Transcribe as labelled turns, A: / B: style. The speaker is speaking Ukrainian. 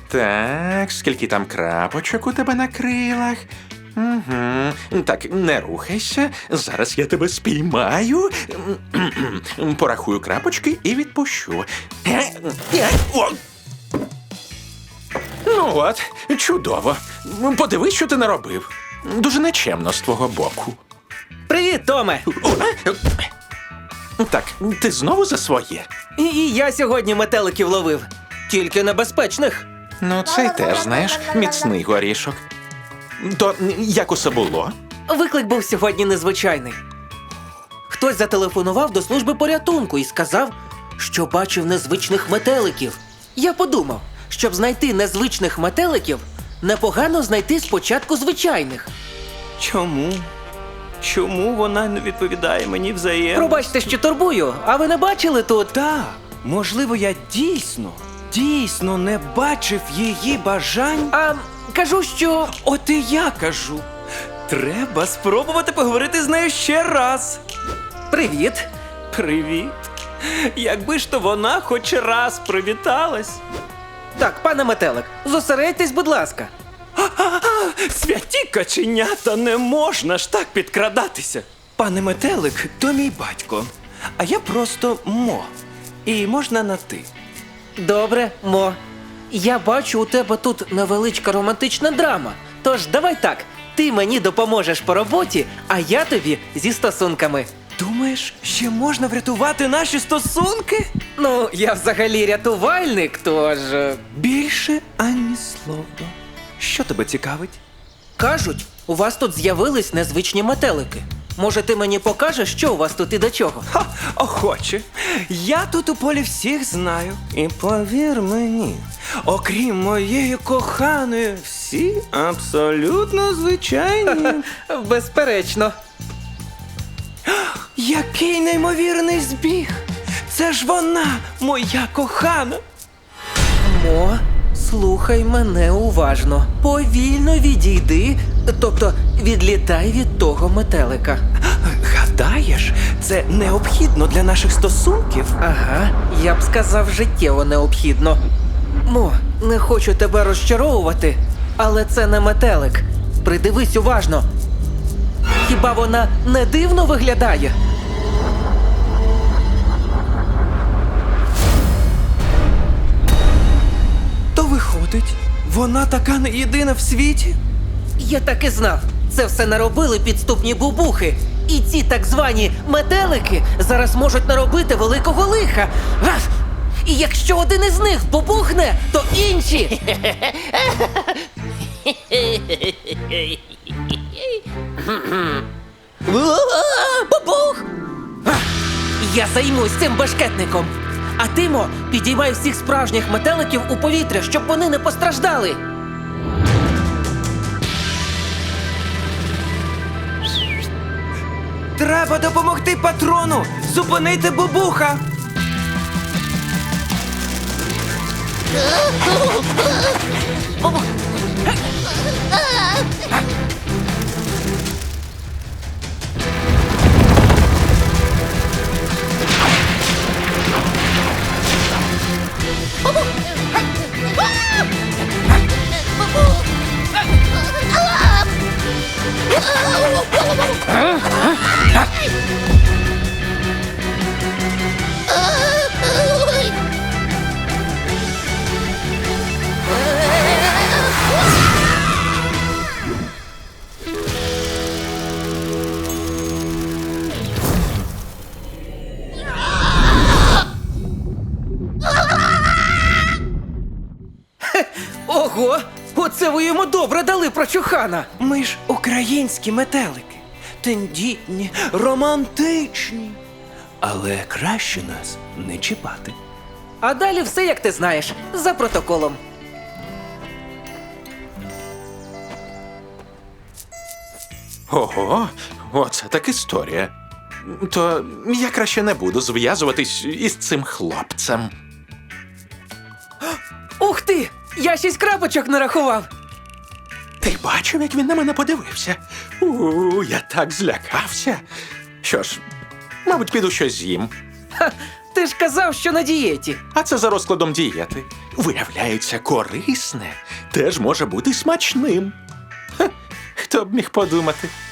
A: Так, скільки там крапочок у тебе на крилах? Угу. Так, не рухайся. Зараз я тебе спіймаю. Порахую крапочки і відпущу. О! Ну от, чудово. Подивись, що ти наробив. Дуже нечемно з твого боку.
B: Привіт, Томе!
A: Так, ти знову за своє?
B: І я сьогодні метеликів ловив. Тільки небезпечних.
A: Ну, цей теж, знаєш, міцний горішок. То як усе було?
B: Виклик був сьогодні незвичайний. Хтось зателефонував до служби порятунку і сказав, що бачив незвичних метеликів. Я подумав, щоб знайти незвичних метеликів, непогано знайти спочатку звичайних.
C: Чому? Чому вона не відповідає мені взаємно?
B: Пробачте, що турбую, а ви не бачили тут?
C: Так, можливо, я дійсно не бачив її бажань.
B: А кажу, що...
C: От і я кажу. Треба спробувати поговорити з нею ще раз.
B: Привіт.
C: Привіт. Якби ж то вона хоч раз привіталась.
B: Так, пане метелик, зосередьтесь, будь ласка.
C: Святі каченята, не можна ж так підкрадатися. Пане метелик, то мій батько, а я просто Мо. І можна на ти.
B: Добре, Мо. Я бачу, у тебе тут невеличка романтична драма. Тож давай так, ти мені допоможеш по роботі, а я тобі зі стосунками.
C: Думаєш, ще можна врятувати наші стосунки?
B: Ну, я взагалі рятувальник, тож...
C: Більше ані слова. Що тебе цікавить?
B: Кажуть, у вас тут з'явились незвичні метелики. Може, ти мені покажеш, що у вас тут і до чого?
C: Ха, охоче. Я тут у полі всіх знаю. І повір мені, окрім моєї коханої, всі абсолютно звичайні.
B: Безперечно.
C: Який неймовірний збіг! Це ж вона, моя кохана!
B: Мо, слухай мене уважно. Повільно відійди, тобто відлітай від того метелика.
C: Гадаєш, це необхідно для наших стосунків?
B: Ага, я б сказав, життєво необхідно. Мо, не хочу тебе розчаровувати, але це не метелик. Придивись уважно. Хіба вона не дивно виглядає?
C: То виходить, вона така не єдина в світі?
B: Я так і знав. Це все наробили підступні бубухи. І ці так звані метелики зараз можуть наробити великого лиха. Гаф! І якщо один із них бубухне, то інші. Бубух! Я займусь цим бешкетником. А ти, Мо, підіймай всіх справжніх метеликів у повітря, щоб вони не постраждали.
C: Треба допомогти патрону! Зупинити бубуха!
B: Ого! Оце ви йому добре дали прочухана!
C: Ми ж українські метелики. Тендітні, романтичні. Але краще нас не чіпати.
B: А далі все, як ти знаєш, за протоколом.
A: Ого, оце так історія. То я краще не буду зв'язуватись із цим хлопцем.
B: Ух ти! Я 6 крапочок нарахував!
A: Ти бачив, як він на мене подивився? Я так злякався. Що ж, мабуть, піду щось з'їм.
B: Ти ж казав, що на дієті.
A: А це за розкладом дієти. Виявляється, корисне теж може бути смачним. Ха, хто б міг подумати?